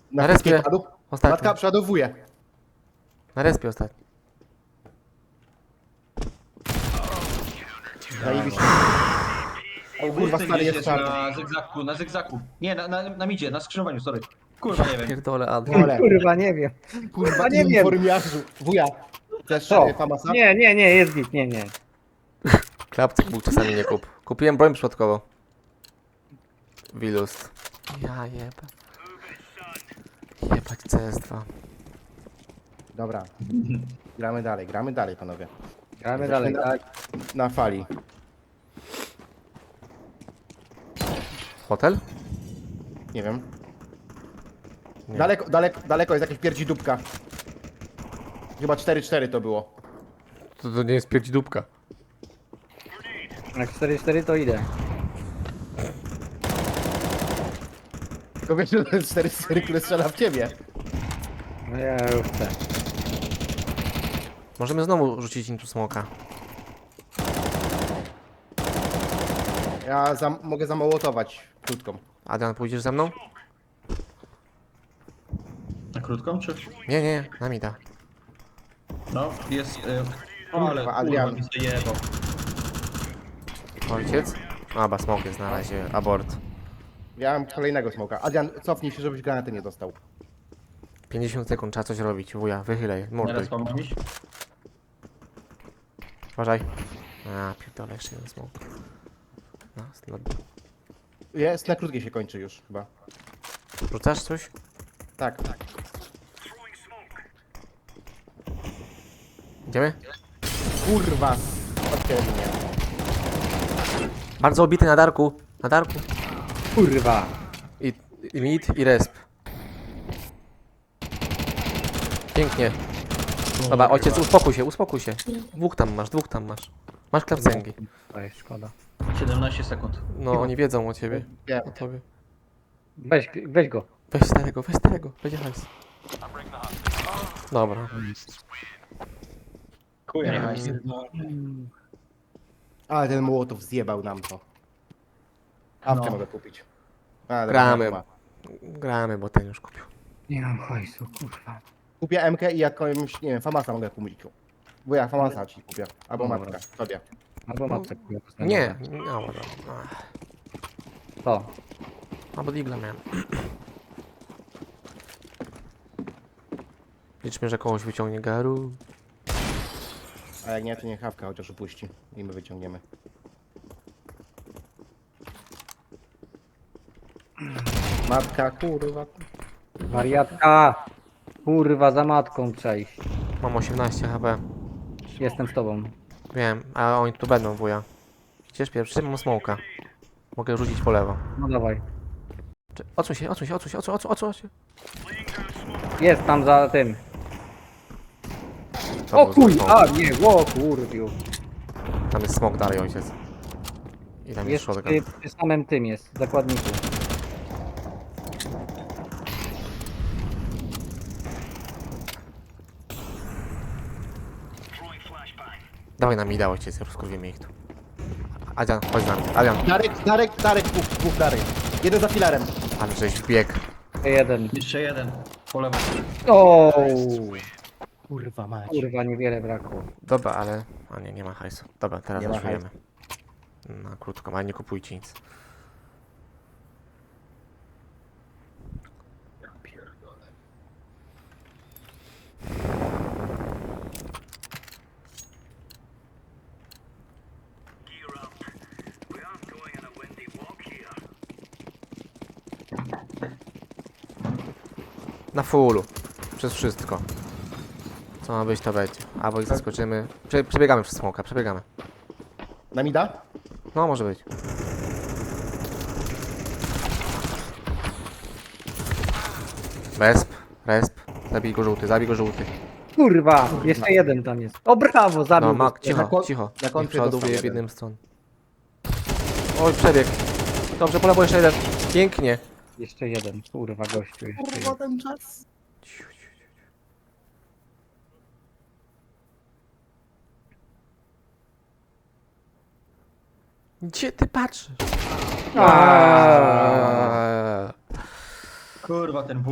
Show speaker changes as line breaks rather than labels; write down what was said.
Na
respie.
wszystkich padł.
Ostatni.
Matka przeładowuje.
Na respie ostatni.
Zajebiście. O kurwa, stary jest czarny.
Na zygzaku. Nie, na midzie, na skrzyżowaniu, sorry. Kurwa, nie wiem.
Pierdolę, Adrian.
Ale,
Kurwa, nie wiem.
kurwa,
nie wiem.
informiarzu. Wuja. Chcesz
Co?
Famasa?
Nie, jest git, nie.
Klapcyk był czasami nie kup. Kupiłem broń przypadkowo. Wilust. Ja jebę. Jebać CS2.
Dobra. Gramy dalej, panowie.
Gramy dalej, tak?
Na fali.
Hotel?
Nie wiem.
Nie.
Daleko jest jakieś pierdzi-dupka. Chyba 4-4 to było.
To nie jest pierdźdóbka.
Jak 4-4 to idę.
Tylko wiesz, że to jest 4-4, które strzela w ciebie.
No ja już chcę.
Możemy znowu rzucić into smoka.
Ja mogę zamołotować krótką.
Adrian, pójdziesz ze mną?
Na krótką, czy?
Nie, na mida.
No, jest... ale
Kurwa,
kurwa
Adrian.
mi zajebał.
Ojciec? Aba, smok jest na razie. Abort.
Ja mam kolejnego smoka. Adrian, cofnij się, żebyś granaty nie dostał.
50 sekund, trzeba coś robić. Wuja, wychylej, morduj.
Teraz mam iść?
Uważaj. A, pierdolę, jeszcze jeden smok. No,
Jest, na krótkiej się kończy już chyba.
rzucasz coś?
Tak.
Idziemy?
Kurwa. Odcięli mnie.
Bardzo obity na darku. Na darku.
Kurwa.
I mid, i resp. Pięknie. Dobra, ojciec, uspokój się. Dwóch tam masz. Masz klapcęgi.
To jest szkoda.
17 sekund.
No, oni wiedzą o ciebie.
Wiem.
O tobie.
Weź go.
Weź starego, będzie hajs. Dobra.
Chuja,
Ale ten Mołotow zjebał nam to. Awkę
No.
mogę kupić. A, dobra,
Gramy.
nie ma.
Gramy, bo ten już kupił.
Nie mam hajsu, kurwa.
Kupię MK i jakąś, nie wiem, Famasa mogę kupić. Bo ja Famasa ci kupię. Albo
Dobra.
matka, tobie.
Albo matce kurwa.
Nie, no, dobra.
To.
Albo digla miałem. Liczmy, że kogoś wyciągnie garu.
A jak nie, to niech Hawka chociaż upuści. I my wyciągniemy. Matka, kurwa.
Wariatka. Kurwa, za matką trzeba iść.
Mam 18 HP.
Jestem z tobą.
Wiem, a oni tu będą, wuja. Idziesz pierwszy, mam smoka. Mogę rzucić po lewo.
No dawaj.
Odsuń się.
Jest tam za tym.
To
O
był zły
kurwa,
smok.
nie, o kurwiu.
Tam jest smok dalej, ojciec. I tam jest
Jest
shotgun.
przy samym tym jest, zakładniku.
Dawaj na mida, ojciec, rozkurwimy ich tu. Adrian, chodź z nami. Adrian,
Darek, dwóch Darek. Jeden za filarem.
ale żeś wbiegł.
Jeden.
Jeszcze jeden. Po lewo.
O,
Kurwa mać.
kurwa, niewiele brakło.
Dobra, ale... A nie ma hajsu. Dobra, teraz
Nie ma
zaczujemy. Na krótko, ale nie kupujcie nic. Na fullu. Przez wszystko. Co ma być, to będzie. Albo ich zaskoczymy. Przebiegamy przez smoka, przebiegamy.
Na mida?
No, może być. Resp. Zabij go żółty.
Kurwa, jeszcze jeden tam jest. O brawo, zabił.
No,
go.
Mak, cicho.
na
Niech
końcu
przeładowuje
dostał
w
jeden.
jednym stron. Oj, przebieg. Dobrze, po lewo jeszcze jeden. Pięknie.
Jeszcze jeden, kurwa, gościu. Jeszcze jeden.
ten czas.
Gdzie ty patrzysz?
Aaaa.
Kurwa, ten